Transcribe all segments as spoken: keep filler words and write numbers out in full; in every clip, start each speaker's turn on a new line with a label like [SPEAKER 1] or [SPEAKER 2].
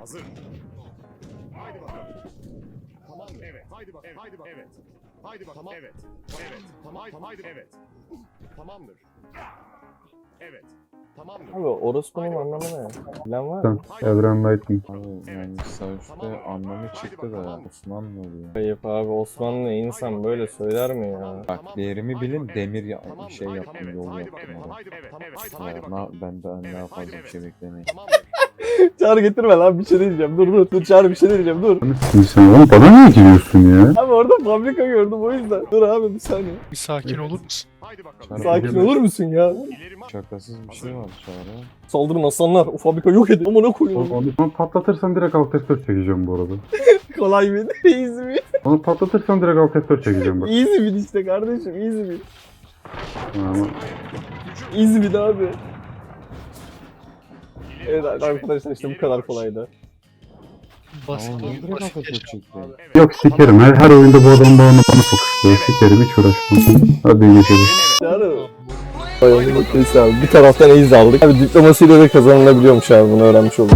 [SPEAKER 1] Hazır. Haydi bakalım. Tamam mı? Evet. Haydi bak. Evet. Haydi bak. Evet. Haydi bak. Tamam. Evet. Evet. Tamam. Haydi. Haydi. Evet. Tamamdır. Evet. Tamamdır.
[SPEAKER 2] Abi orospunun anlamı ne? Bilen var
[SPEAKER 3] Sen
[SPEAKER 2] mı?
[SPEAKER 3] Evren Lightning.
[SPEAKER 4] Abi yani savaşta anlamı çıktı da Osmanlı oluyor.
[SPEAKER 2] Ayıp abi, Osmanlı insan böyle söyler mi ya?
[SPEAKER 4] Bak değerimi bilin, demir ya şey yaptım, yol yaptım orada. Ya, na, ben daha daha fazla bir şey beklemeyin.
[SPEAKER 2] Çağrı getirme lan, bir şey diyeceğim. Dur dur dur Çağrı, bir şey diyeceğim, dur.
[SPEAKER 3] Sen oğlum bana niye giriyorsun ya?
[SPEAKER 2] Abi orada fabrika gördüm o yüzden. Dur abi bir saniye.
[SPEAKER 5] Bir sakin olur musun?
[SPEAKER 2] Sakin olur musun ya?
[SPEAKER 4] Şakasız bir şey var Çağrı.
[SPEAKER 2] Saldırın aslanlar, o fabrika yok edin. Amına koyuyorum.
[SPEAKER 3] Onu, onu patlatırsan direkt alt F dört çekeceğim bu arada.
[SPEAKER 2] Kolay bir easy bir.
[SPEAKER 3] Onu patlatırsan direkt alt F dört çekeceğim bak.
[SPEAKER 2] Easy bir işte kardeşim, easy bir.
[SPEAKER 3] Ama
[SPEAKER 2] Easy bir abi. Evet arkadaşlar, işte bu kadar kolaydı.
[SPEAKER 5] Basit
[SPEAKER 4] Ama niye
[SPEAKER 5] oyun,
[SPEAKER 4] direkt
[SPEAKER 5] basit
[SPEAKER 4] altı
[SPEAKER 5] yaşam.
[SPEAKER 4] çekti?
[SPEAKER 3] yok sikerim. Her, her oyunda bu adam bana bana fokusluyor. Sikerim hiç uğraşmam. Hadi geçelim.
[SPEAKER 2] Çağrı. Bayağı mutluyuz abi. Bir taraftan easy aldık. Abi diplomasiyle de kazanılabiliyormuş abi, bunu öğrenmiş olduk.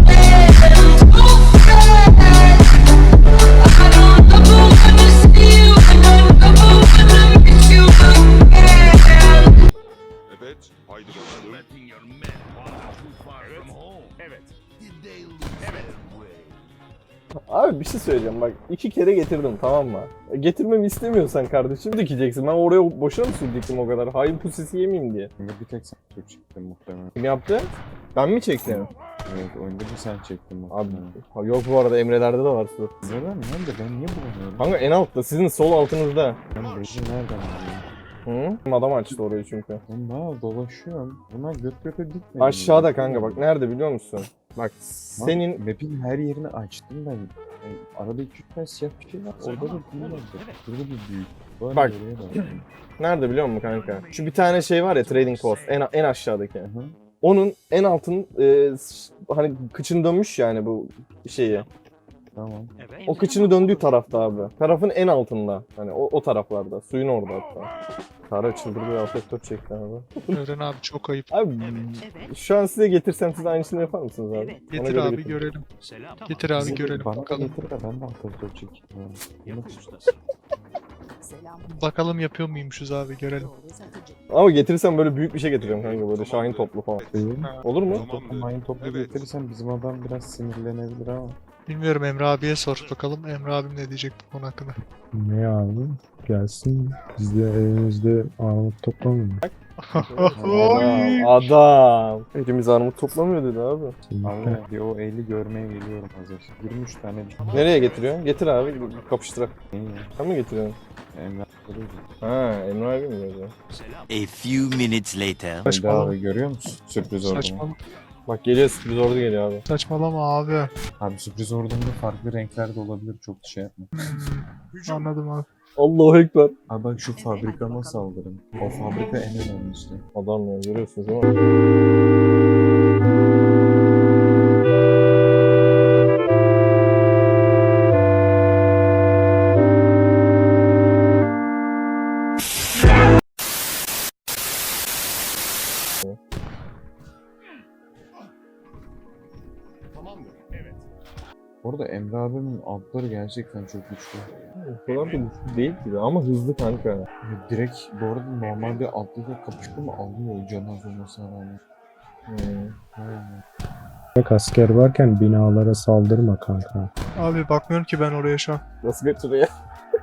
[SPEAKER 1] Evet. Haydi bakalım. Evet. Evet.
[SPEAKER 2] Abi bir şey söyleyeceğim bak, iki kere getirdim tamam mı? E, getirmemi istemiyorsan kardeşim dikeceksin. Ben oraya boşuna mı sürdüktüm o kadar? Hain pusisi yemeyeyim diye.
[SPEAKER 4] Oyunda bir tek sen Türk çektin muhtemelen.
[SPEAKER 2] Kim yaptı? Ben mi çektim?
[SPEAKER 4] Evet oyunda bir sen çektin
[SPEAKER 2] Abi
[SPEAKER 4] muhtemelen.
[SPEAKER 2] ha, yok bu arada Emre'lerde de var su.
[SPEAKER 4] Neden? Nerede? Ben niye bulamıyorum?
[SPEAKER 2] Kanka en altta, sizin sol altınızda.
[SPEAKER 4] Ben Bezi nereden bulayım?
[SPEAKER 2] Hı? Adam açtı orayı çünkü.
[SPEAKER 4] Ben daha dolaşıyorum. Buna göt göte dikmedim.
[SPEAKER 2] Aşağıda kanka bak, nerede biliyor musun? Bak senin
[SPEAKER 4] Map'in her yerini açtım ben. Yani arada iki üç tane siyah bir şey var. Orada da büyük var. Burada da büyük. Var
[SPEAKER 2] Bak.
[SPEAKER 4] oraya bak.
[SPEAKER 2] nerede biliyor musun kanka? Şu bir tane şey var ya, trading post en en aşağıdaki.
[SPEAKER 4] Hı hı.
[SPEAKER 2] Onun en altın e, s- hani kıçını dönmüş yani bu şeyi.
[SPEAKER 4] Tamam.
[SPEAKER 2] O kıçını döndüğü tarafta abi. Tarafın en altında. Hani o, o taraflarda. Suyun orada hatta. Kara çıldırdı, afektör çekti abi.
[SPEAKER 5] Eren abi çok ayıp.
[SPEAKER 2] Abi şu an size getirsem siz aynısını yapar mısınız abi?
[SPEAKER 6] Evet.
[SPEAKER 2] Ona
[SPEAKER 5] Getir
[SPEAKER 2] göre
[SPEAKER 5] abi
[SPEAKER 2] getirin.
[SPEAKER 5] görelim. Getir abi
[SPEAKER 4] Bizi
[SPEAKER 5] görelim
[SPEAKER 4] Bana da
[SPEAKER 5] bakalım.
[SPEAKER 4] getir de ben de altı çekeyim. Yani.
[SPEAKER 6] Selam.
[SPEAKER 5] Bakalım yapıyor muymuşuz abi görelim.
[SPEAKER 6] Doğru satıcı.
[SPEAKER 2] Ama getirsem böyle büyük bir şey getireceğim kanka, böyle Şahin toplu falan. Olur mu?
[SPEAKER 4] Toplam aynı toplu getirirsen bizim adam biraz sinirlenebilir ama.
[SPEAKER 5] Bilmiyorum, Emre abiye sor bakalım. Emre abim ne diyecek bu konu hakkında.
[SPEAKER 3] Ne abi? Gelsin. Biz de elimizde armut toplamayalım.
[SPEAKER 2] Adam, adam. Hepimiz armut toplamıyor dedi abi.
[SPEAKER 4] Abi bir o eli görmeye geliyorum hazır. yirmi üç tane bir
[SPEAKER 2] Nereye getiriyorsun? Getir abi, kapıştırak.
[SPEAKER 4] şey ya.
[SPEAKER 2] Sen mi getiriyorsun?
[SPEAKER 4] Emre duruyor.
[SPEAKER 2] Ha, Emre abi mi yazıyor?
[SPEAKER 7] A few minutes later.
[SPEAKER 4] Emre
[SPEAKER 5] Saçmalama.
[SPEAKER 4] abi görüyor musun? Sürpriz ordumu.
[SPEAKER 5] Saçmalama.
[SPEAKER 2] Bak geliyor, sürpriz ordu geliyor abi.
[SPEAKER 5] Saçmalama abi.
[SPEAKER 4] Abi sürpriz ordumda farklı renklerde olabilir, çok şey yapma.
[SPEAKER 5] Hmm, anladım abi.
[SPEAKER 2] Allahu Ekber.
[SPEAKER 4] Abi bak şu fabrikama saldırın. O fabrika en önemlisi.
[SPEAKER 2] Adam ya, görüyorsunuz değil mi?
[SPEAKER 1] Tamamdır. Evet.
[SPEAKER 4] Orada Emre abimin altları gerçekten çok güçlü.
[SPEAKER 2] O kadar da güçlü değil gibi ama hızlı kanka.
[SPEAKER 4] Ya direkt bu arada normalde altıyla kapıştı mı alıyor canı az olmasına rağmen.
[SPEAKER 2] Hmm.
[SPEAKER 4] Hmm.
[SPEAKER 3] Bak asker varken binalara saldırma kanka.
[SPEAKER 5] Abi bakmıyorum ki ben oraya şu an.
[SPEAKER 2] Nasıl götürüyor ya?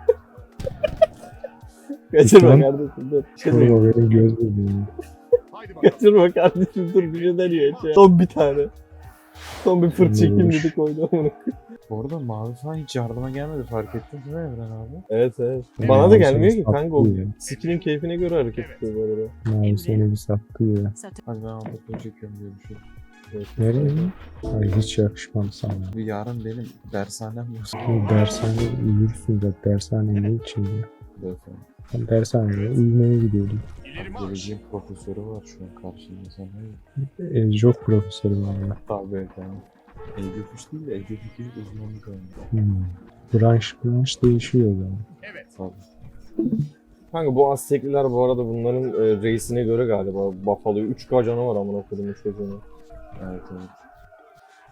[SPEAKER 2] Kaçırma
[SPEAKER 3] Lütfen.
[SPEAKER 2] kardeşim dur. Bir şey
[SPEAKER 3] Şurada
[SPEAKER 2] diyeyim.
[SPEAKER 3] benim göz bebeğim.
[SPEAKER 1] Haydi bakalım.
[SPEAKER 2] Kaçırma kardeşim dur, bir şey deniyor içe. Son bir tane. Son bir fırt çekeyim
[SPEAKER 3] Neymiş?
[SPEAKER 2] dedik, oydu onu.
[SPEAKER 4] Bu arada mavi falan hiç yardıma gelmedi, fark ettin değil mi Emre abi?
[SPEAKER 2] Evet evet.
[SPEAKER 3] Ya,
[SPEAKER 2] Bana da
[SPEAKER 3] seni
[SPEAKER 2] gelmiyor ki kanka, o
[SPEAKER 3] saklıyor.
[SPEAKER 2] skill'in keyfine göre hareket ediyor bu arada.
[SPEAKER 3] Mavi seni bir saklıyor.
[SPEAKER 6] Satın.
[SPEAKER 4] Hadi ben altı çekiyorum diye bir şey.
[SPEAKER 2] Evet.
[SPEAKER 3] Nereye? Ay hiç yakışmam sana.
[SPEAKER 4] Bu yarın benim dershanem yok.
[SPEAKER 3] Bu dershaneye uyursun da dershane ne için ya?
[SPEAKER 4] Beyefendi.
[SPEAKER 3] Ben dershaneye uyumaya gidiyordum.
[SPEAKER 1] İleri marş.
[SPEAKER 4] Geleceğin profesörü var şu an karşımda, sen hayır.
[SPEAKER 3] Ecok profesörü var ya.
[SPEAKER 4] Tabii beyefendi. Ecofis değil de Ecofis uzmanlık almış.
[SPEAKER 3] Hmm. Branş branş değişiyor o zaman.
[SPEAKER 1] Evet.
[SPEAKER 4] Tabii.
[SPEAKER 2] Kanka bu Aztekliler bu arada bunların e, reisine göre galiba Buffalo'yu üç K canı var amına koydum, üç K canı.
[SPEAKER 4] Evet evet.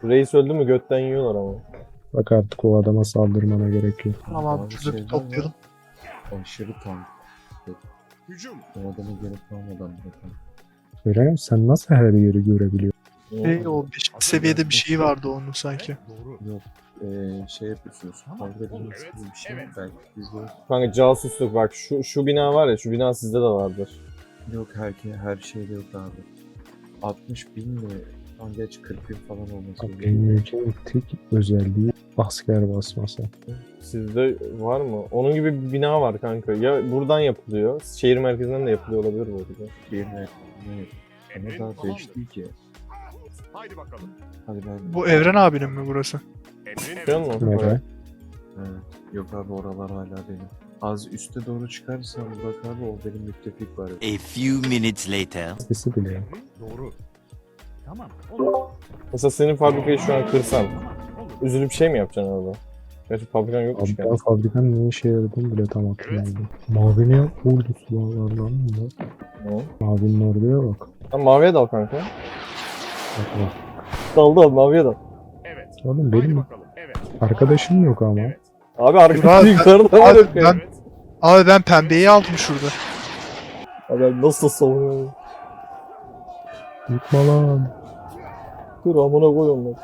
[SPEAKER 2] Reis öldü mü götten yiyorlar ama.
[SPEAKER 3] Bak artık o adama saldırmana gerek yok.
[SPEAKER 5] Tamam abi
[SPEAKER 4] Bazı
[SPEAKER 5] şurada bir
[SPEAKER 4] şeyler
[SPEAKER 5] toplayalım.
[SPEAKER 4] var, Aşırı tank.
[SPEAKER 1] Hücum.
[SPEAKER 4] O adamı gelip almadan bırakalım.
[SPEAKER 3] Eren sen nasıl her yeri görebiliyorsun?
[SPEAKER 5] Şey, o beşinci seviyede bir şey vardı onun sanki.
[SPEAKER 1] Doğru.
[SPEAKER 4] Yok. Ee, şey yapıyorsunuz. Kavga edilmesi
[SPEAKER 1] Evet,
[SPEAKER 4] gibi bir şey.
[SPEAKER 1] evet.
[SPEAKER 4] Belki bizde
[SPEAKER 2] Kanka casusluk bak şu şu bina var ya şu bina sizde de vardır.
[SPEAKER 4] yok, her, her şeyde yok abi. altmış bin mi? Lan geç kırk bin falan olması
[SPEAKER 3] Bak
[SPEAKER 4] gerekiyor.
[SPEAKER 3] benim ülkemin tek özelliği asker basması.
[SPEAKER 2] Sizde var mı? Onun gibi bir bina var kanka. Ya buradan yapılıyor. Şehir merkezinden de yapılıyor olabilir bu arada.
[SPEAKER 4] Bir ne? Ne?
[SPEAKER 1] Emrin
[SPEAKER 4] Ama daha
[SPEAKER 1] tamamdır.
[SPEAKER 4] beş değil ki.
[SPEAKER 1] Haydi bakalım.
[SPEAKER 4] Hadi ben...
[SPEAKER 5] Bu Evren abinin mi burası?
[SPEAKER 1] Emrin
[SPEAKER 2] Biliyor musun?
[SPEAKER 3] Nere?
[SPEAKER 2] Evet.
[SPEAKER 4] Evet. Yok abi, oralar hala benim. Az üste doğru çıkarsan bak abi, o benim müttefik var.
[SPEAKER 7] A few minutes later.
[SPEAKER 3] Sesi bile yok.
[SPEAKER 1] Doğru. Tamam. Olur.
[SPEAKER 2] Mesela senin fabrikayı şu an kırsan üzülüp şey mi yapacaksın orada? Gerçi fabrikan yokmuş
[SPEAKER 3] Abi
[SPEAKER 2] ki.
[SPEAKER 3] ben fabrikanın ne işe yaradığını bile tam hatırlamıyorum. Mavinin ordusu var lan mı?
[SPEAKER 2] Hı.
[SPEAKER 3] Mavinin orduya bak.
[SPEAKER 2] Tamam maviye dal kanka.
[SPEAKER 3] Bak bak.
[SPEAKER 2] Dal dal maviye dal.
[SPEAKER 1] Evet.
[SPEAKER 3] Oğlum
[SPEAKER 1] Haydi
[SPEAKER 3] benim
[SPEAKER 1] bakalım. Evet.
[SPEAKER 3] arkadaşım yok ama.
[SPEAKER 1] Evet.
[SPEAKER 2] Abi
[SPEAKER 5] Abi,
[SPEAKER 2] arkadaşı yukarıda var.
[SPEAKER 5] abi,
[SPEAKER 2] yok ya.
[SPEAKER 5] ben- Abi ben pembeyi aldım şurada.
[SPEAKER 2] Abi nasıl savunuyor?
[SPEAKER 3] Yıkma lan.
[SPEAKER 2] Dur amına koy onları.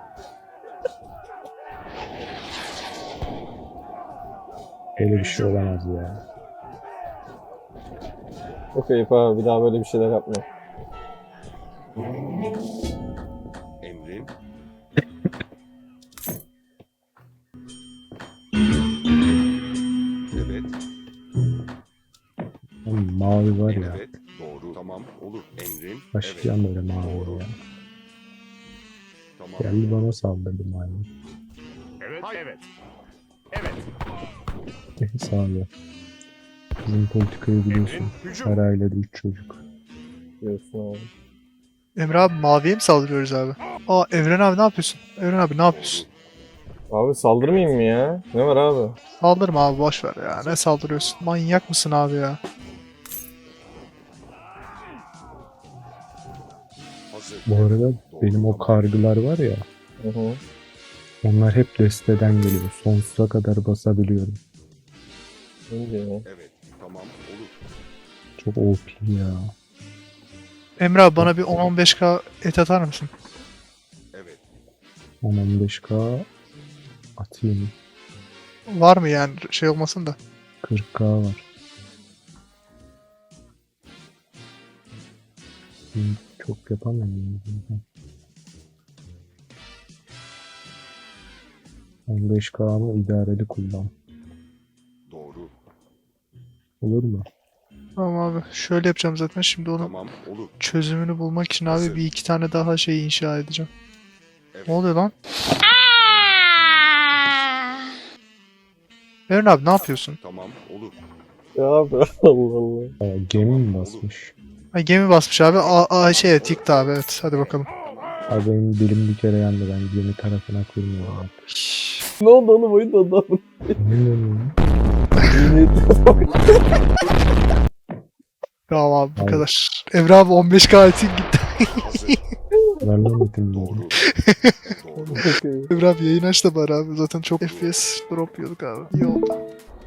[SPEAKER 3] Böyle bir şey olamaz ya.
[SPEAKER 2] Okey abi bir daha böyle bir şeyler yapma.
[SPEAKER 1] Emrin. Evet.
[SPEAKER 3] Oğlum mavi var ya.
[SPEAKER 1] Evet. Doğru. Tamam. Olur. Emrin.
[SPEAKER 3] Başlayacağım böyle mavi ya.
[SPEAKER 1] Tamam.
[SPEAKER 3] Geldi bana saldırdı maymun.
[SPEAKER 1] Evet. Hayır. Evet. Evet.
[SPEAKER 3] Neyse abi. Bizim politikayı biliyorsun.
[SPEAKER 1] Emrin. Hücum.
[SPEAKER 3] Her ailede üç çocuk.
[SPEAKER 2] Diyorsun abi.
[SPEAKER 5] Emre abi maviye mi saldırıyoruz abi? Aa Evren abi ne yapıyorsun? Evren abi ne yapıyorsun?
[SPEAKER 2] Abi saldırmayayım mı ya? Ne var abi?
[SPEAKER 5] Saldırma abi boş ver ya. Ne saldırıyorsun? Manyak mısın abi ya?
[SPEAKER 1] Hazır.
[SPEAKER 3] Bu arada
[SPEAKER 1] Doğru.
[SPEAKER 3] benim o kargılar var ya.
[SPEAKER 2] Hı hı.
[SPEAKER 3] Onlar hep desteden geliyor. Sonsuza kadar basabiliyorum.
[SPEAKER 2] Ne diyor ya?
[SPEAKER 1] Evet. Tamam. Olur.
[SPEAKER 3] Çok O P ya.
[SPEAKER 5] Emre abi bana bir on on beş K et atar mısın?
[SPEAKER 1] Evet.
[SPEAKER 3] on on beş K atayım.
[SPEAKER 5] Var mı yani şey olmasın da.
[SPEAKER 3] kırk K var. Hı, çok yapamıyorum. on beş K'mı idareli kullan.
[SPEAKER 1] Doğru.
[SPEAKER 3] Olur mu?
[SPEAKER 5] Tamam abi şöyle yapacağım zaten şimdi onun
[SPEAKER 1] Tamam. Olur.
[SPEAKER 5] çözümünü bulmak için abi
[SPEAKER 1] Hazır.
[SPEAKER 5] bir iki tane daha şey inşa edeceğim.
[SPEAKER 1] Evet.
[SPEAKER 5] Ne oluyor lan? Evren abi ne yapıyorsun?
[SPEAKER 1] Tamam. Olur.
[SPEAKER 2] Ya abi Allah Allah.
[SPEAKER 3] Aa, gemi mi basmış?
[SPEAKER 5] Ay gemi basmış abi. Aa, aa şey evet yıktı abi evet hadi bakalım.
[SPEAKER 3] Abi benim dilim bir kere yandı. Ben gemi tarafına kurmuyorum artık.
[SPEAKER 2] Ne oldu oğlum oyun da adam.
[SPEAKER 3] Ne oluyor?
[SPEAKER 5] Tamam abi bu
[SPEAKER 3] Abi.
[SPEAKER 5] kadar. Evren abi on beş K etin gitti.
[SPEAKER 1] Hazır.
[SPEAKER 3] Ver lan bitirdim.
[SPEAKER 1] Doğru. Doğru.
[SPEAKER 5] Evren abi yayın aç da bari abi. Zaten çok F P S drop yiyorduk abi. İyi oldu.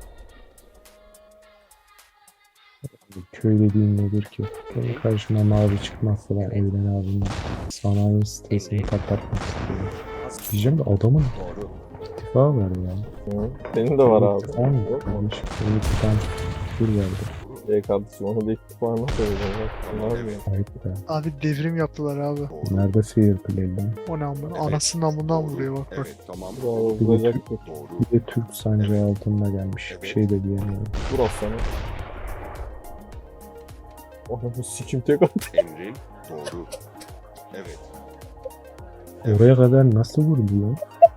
[SPEAKER 3] Köy dediğin nedir ki? Benim karşıma mavi çıkmazsa ben Evren abinin sanayi sitesini patlatmak istiyorum. Diyeceğim de adamın
[SPEAKER 1] Doğru.
[SPEAKER 3] ittifa var ya.
[SPEAKER 2] Hı. Senin de var abi.
[SPEAKER 3] İttifa mı? Yanlış. Benim bir tane küfür verdi.
[SPEAKER 2] Ey kardeşim onu da ilk defa nasıl söyleyeceğim? Ne yapayım?
[SPEAKER 3] Ayıp be.
[SPEAKER 5] Abi devrim yaptılar abi.
[SPEAKER 1] Doğru.
[SPEAKER 3] Nerede fair play lan?
[SPEAKER 5] O ne amına?
[SPEAKER 1] Evet.
[SPEAKER 5] Anasından bundan
[SPEAKER 1] Doğru.
[SPEAKER 5] vuruyor bak bak.
[SPEAKER 1] Evet. Tamam.
[SPEAKER 2] Bravo vuracaktır.
[SPEAKER 1] Doğru.
[SPEAKER 3] Bir de Türk sancağı altında gelmiş. Bir şey de diyemiyorum.
[SPEAKER 2] Vur aslanı. Anamı sikim tek at.
[SPEAKER 1] Emrin. Doğru. Evet.
[SPEAKER 3] Oraya kadar nasıl vurdu ya?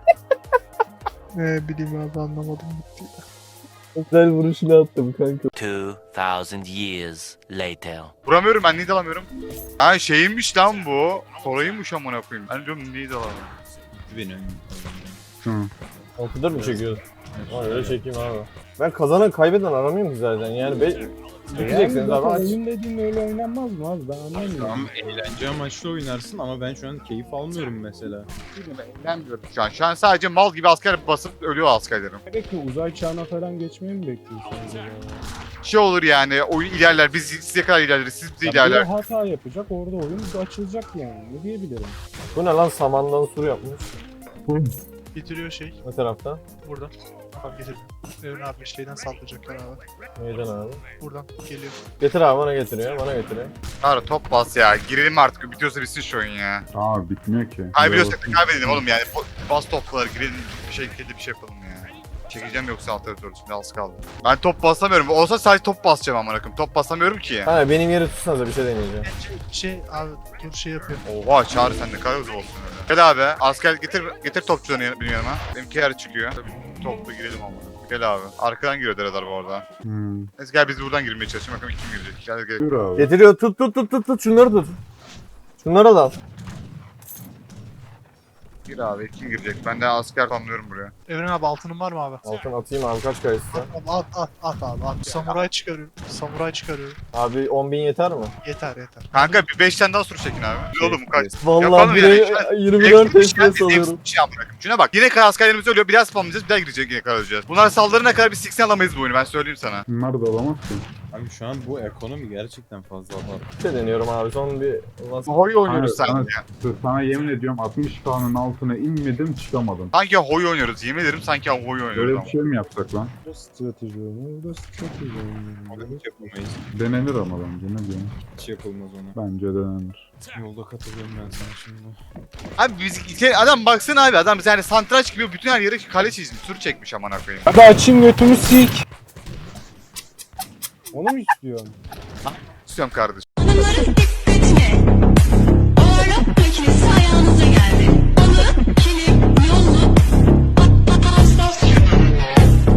[SPEAKER 5] Ne bileyim abi anlamadım gitti.
[SPEAKER 2] Güzel vuruşunu attım kanka.
[SPEAKER 7] Two thousand years later.
[SPEAKER 8] Vuramıyorum ben, neydi alamıyorum. Ha şeymiş lan bu. Kolayıymış amına koyayım. Ben diyorum neydi alamıyorum.
[SPEAKER 2] Altıdır mı çekiyorsun? Ama öyle çekeyim abi. Ben kazanan kaybeden aramıyorum ki zaten yani. Be Dikeceksiniz abi aç.
[SPEAKER 3] Oyun dediğin öyle oynanmaz mı abi? Ben anlamıyorum.
[SPEAKER 9] Tamam eğlence amaçlı oynarsın ama ben şu an keyif almıyorum mesela.
[SPEAKER 8] Eğlenmiyorum şu an. Şu an sadece mal gibi asker basıp ölüyor askerlerim.
[SPEAKER 3] Peki uzay çağına falan geçmeyi mi bekliyorsun acaba?
[SPEAKER 8] Şey olur yani oyun ilerler biz size kadar ilerleriz siz bize
[SPEAKER 3] Ya
[SPEAKER 8] ilerler.
[SPEAKER 3] biri hata yapacak orada oyun açılacak yani. Ne diyebilirim?
[SPEAKER 2] Bu ne lan, samandan sur yapmış.
[SPEAKER 5] Getiriyor şey.
[SPEAKER 2] Ne tarafta?
[SPEAKER 5] Buradan. Bak getirdim. Evren abi şeyden saldıracaklar abi.
[SPEAKER 2] Neyden abi?
[SPEAKER 5] Buradan geliyor.
[SPEAKER 2] Getir abi, bana getiriyor, bana getiriyor.
[SPEAKER 8] Ara top bas ya. Girelim artık bitiyorsa bitsin şu oyun ya.
[SPEAKER 10] Aa bitmiyor ki.
[SPEAKER 8] Kaybediyorsak da kaybedelim oğlum yani. Po- Bas topları girelim bir şekilde bir şey yapalım ya. Çekeceğim yoksa alt tarafı şimdi az kaldı. Ben top basamıyorum. Olsa sadece top basacağım amına koyayım. Top basamıyorum ki.
[SPEAKER 2] Ha benim yeri tutsanıza, bir şey deneyeceğim.
[SPEAKER 5] Şey abi dur şey yapıyor.
[SPEAKER 8] Oha Çağrı sen ne kadar hızlı olsun öyle. Gel abi asker getir getir topçularını yan- benim yanıma. Benimki yer çıkıyor. Tabii topla girelim amına. Gel abi. Arkadan giriyor radar bu arada.
[SPEAKER 10] Hmm.
[SPEAKER 8] Neyse gel biz buradan girmeye çalışalım. Bakalım kim girecek. Gel gel.
[SPEAKER 10] Dur abi.
[SPEAKER 2] Getiriyor, tut tut tut tut tut, şunları tut. Şunları da al.
[SPEAKER 8] Gir abi kim girecek? Ben de asker tamamlıyorum buraya.
[SPEAKER 5] Evren abi altının var mı abi?
[SPEAKER 2] Altın atayım abi, kaç kayısı?
[SPEAKER 5] At, at, at, at abi at. Samuray çıkarıyorum. Samuray çıkarıyorum.
[SPEAKER 2] Abi on bin yeter mi?
[SPEAKER 5] Yeter yeter.
[SPEAKER 8] Kanka bir beş tane daha sur çekin abi. Dur oğlum kaç.
[SPEAKER 2] Vallahi
[SPEAKER 8] Yapalım
[SPEAKER 2] bire
[SPEAKER 8] yani. Şu an
[SPEAKER 2] yirmi dört F P S alıyorum.
[SPEAKER 8] Bir şey yapmak. Şuna bak. Yine kadar askerlerimiz ölüyor. Bir daha spamlayacağız. Bir daha girecek yine kadar öleceğiz. Bunlar saldırına kadar bir siksen alamayız bu oyunu. Ben söyleyeyim sana.
[SPEAKER 10] Bunlar da alamaz ki.
[SPEAKER 9] Abi şu an bu ekonomi gerçekten fazla abartı.
[SPEAKER 2] Bir şey deniyorum abi, son bir...
[SPEAKER 8] Hoy oynuyoruz
[SPEAKER 10] Hayır,
[SPEAKER 8] sanki.
[SPEAKER 10] Sana, sana yemin ediyorum altmış K'nın altına inmedim çıkamadım.
[SPEAKER 8] Sanki hoy oynuyoruz. Yemin ederim sanki hoy oynuyoruz
[SPEAKER 10] Böyle
[SPEAKER 8] ama.
[SPEAKER 10] bir şey mi yapsak lan?
[SPEAKER 3] Burada strateji oyunu, burada strateji
[SPEAKER 9] Onu
[SPEAKER 3] oyunu.
[SPEAKER 9] hiç yapamayız.
[SPEAKER 10] Denenir ama bence ne diyorsun?
[SPEAKER 9] Hiç yapılmaz ona.
[SPEAKER 10] Bence denenir.
[SPEAKER 9] Yolda katılıyorum ben sana şimdi.
[SPEAKER 8] Abi biz şey, adam baksana abi. Adam yani santraç gibi bütün her yere kale çizmiş. Sur çekmiş amına koyayım.
[SPEAKER 3] Hadi açayım götümü sik. Onu mu istiyorsun?
[SPEAKER 8] İstiyorum kardeşim.